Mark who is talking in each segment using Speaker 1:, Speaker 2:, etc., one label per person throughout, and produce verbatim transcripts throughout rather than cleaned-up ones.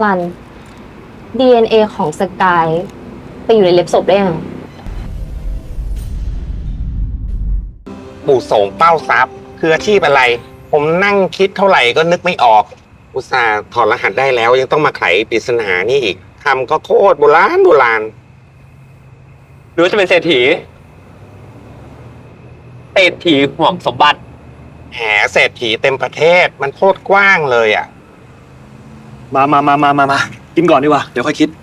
Speaker 1: รัน ดี เอ็น เอ ของสกายไปอยู่ในเล็บศพได้ยังไง
Speaker 2: ปู่โสมเป้าทรัพย์คืออาชีพอะไร ผมนั่งคิดเท่าไหร่ก็นึกไม่ออก อุตส่าห์ถอดรหัสได้แล้วยังต้องมาไขปริศนานี่อีกคำก็โคตรโบราณโบราณ
Speaker 3: หรือว่าจะเป็นเศรษฐีเศรษฐีห่วงสมบัติ
Speaker 2: แหมเศรษฐีเต็มประเทศมันโคตรกว้างเลยอ่ะ
Speaker 4: มามามามามามากินก่อนดีกว่า เดี๋ยวค่อยคิด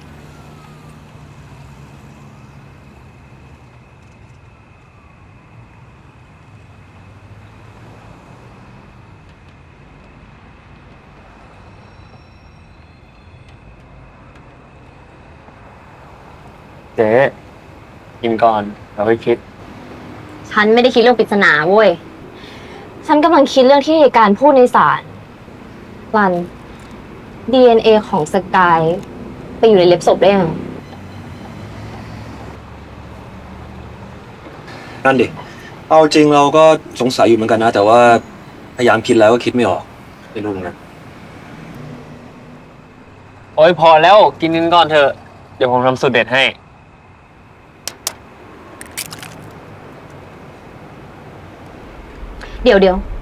Speaker 3: เจ๊กินก่อนเราค่อยคิด
Speaker 1: ฉันไม่ได้คิดเรื่องปริศนาเว้ย ฉันกำลังคิดเรื่องที่การพูดในศาลรัน ดี เอ็น เอ ของสกายไปอยู่ในเล็บศพได้ยังไง
Speaker 4: นั่นดิ เอาจริงเราก็สงสัยอยู่เหมือนกันนะ แต่ว่าพยายามคิดแล้วก็คิดไม่ออกไม่รู้เหมือนกัน
Speaker 3: โอ้ยพอแล้วกินกันก่อนเถอะ เดี๋ยวผมทำสูตรเด็ดให้
Speaker 1: เดี๋ยวเดี๋ยว